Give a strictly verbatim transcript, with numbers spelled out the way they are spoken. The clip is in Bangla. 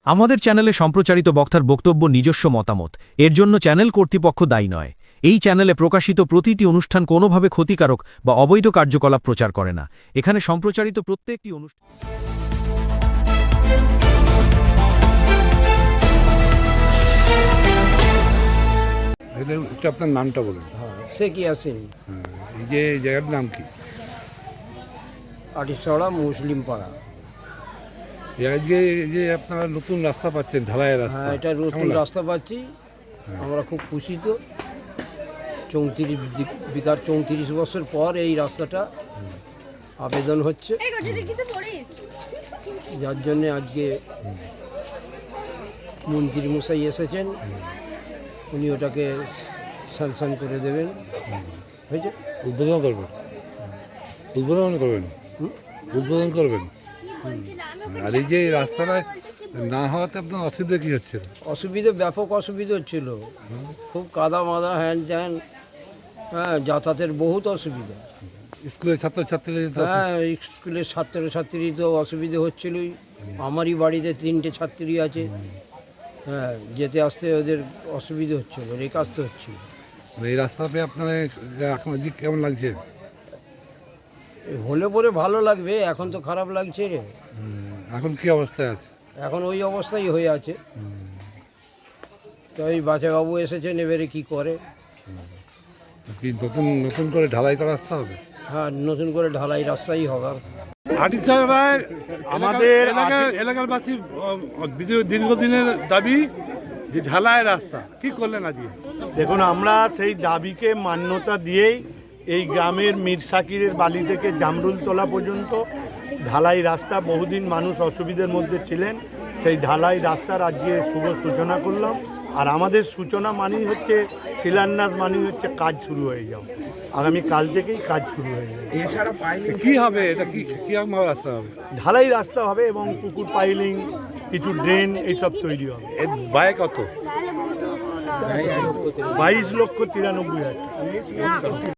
আমাদের চ্যানেলে সম্প্রচারিত বক্তার বক্তব্য নিজস্ব মতামত, এর জন্য চ্যানেল কর্তৃপক্ষ দায়ী নয়। এই চ্যানেলে প্রকাশিত প্রতিটি অনুষ্ঠান কোনোভাবে ক্ষতিকারক বা অবৈধ কার্যকলাপ প্রচার করে না। এখানে সম্প্রচারিত প্রত্যেকটি অনুষ্ঠান একটু আপনার নামটা বলুন। হ্যাঁ, সে কি আসেন হ্যাঁ, এই যে এই জায়গার নাম কি? আটিসড়া মুসলিম পাড়া। এই আজকে এই যে আপনারা নতুন রাস্তা পাচ্ছেন, ঢালাইয়ের রাস্তা, হ্যাঁ, এটা নতুন কেমন লাগে? রাস্তা পাচ্ছি, আমরা খুব খুশি। তো চৌত্রিশ বিকার চৌত্রিশ বছর পর এই রাস্তাটা আবেদন হচ্ছে, যার জন্যে আজকে মন্ত্রী মশাই এসেছেন, উনি ওটাকে স্যাংশন করে দেবেন। হয়েছে, উদ্বোধন করবেন, উদ্বোধন করবেন, হুম? উদ্বোধন করবেন। আর এই যে এই রাস্তাটা না হওয়াতে আপনার অসুবিধা কি হচ্ছে? অসুবিধে, ব্যাপক অসুবিধা হচ্ছিল, খুব কাদা মাদা হ্যান ত্যান, হ্যাঁ, যাতায়াতের বহুত অসুবিধা। স্কুলের ছাত্রছাত্রীরা যেতে অসু- হ্যাঁ, স্কুলের ছাত্রছাত্রী তো অসুবিধে হচ্ছিলই। আমারই বাড়িতে তিনটে ছাত্রী আছে, হ্যাঁ, যেতে আসতে ওদের অসুবিধে হচ্ছিল, রেখে আসতে হচ্ছিল। এই রাস্তা পেয়ে আপনার এখন আজকে কেমন লাগছে? হলে পরে ভালো লাগবে, এখন তো খারাপ লাগছে রে। হুম, এখন কি অবস্থায় আছে? এখন ওই অবস্থাই হয়ে আছে। তো ওই বাচ্চাবাবু এসেছেন, এবারে কি করে। কি নতুন নতুন করে ঢালাই করা রাস্তা হবে? হ্যাঁ, নতুন করে ঢালাই রাস্তাই হবে। আটিচাড়ায় আমাদের এলাকার এলাকারবাসী দীর্ঘদিনের দাবি যে ঢালাই রাস্তা, কি করলেন আজকে? দেখুন, আমরা সেই দাবিকে মান্যতা দিয়েই এই গ্রামের মীর সাকিরের বালি থেকে জামরুলতলা পর্যন্ত ঢালাই রাস্তা, বহুদিন মানুষ অসুবিধার মধ্যে ছিলেন, সেই ঢালাই রাস্তার আজকে শুভ সূচনা করলাম। আর আমাদের সূচনা মানেই হচ্ছে শিলান্যাস, মানেই হচ্ছে কাজ শুরু হয়ে যাও। আগামী কাল থেকেই কাজ শুরু হয়ে যাবে। কি হবে এটা? কি কিরকম রাস্তা হবে? ঢালাই রাস্তা হবে এবং পুকুর পাইলিং, কিছু ড্রেন, এইসব তৈরি হবে। এর ব্যয় কত? বাইশ লক্ষ তিরানব্বই হাজার।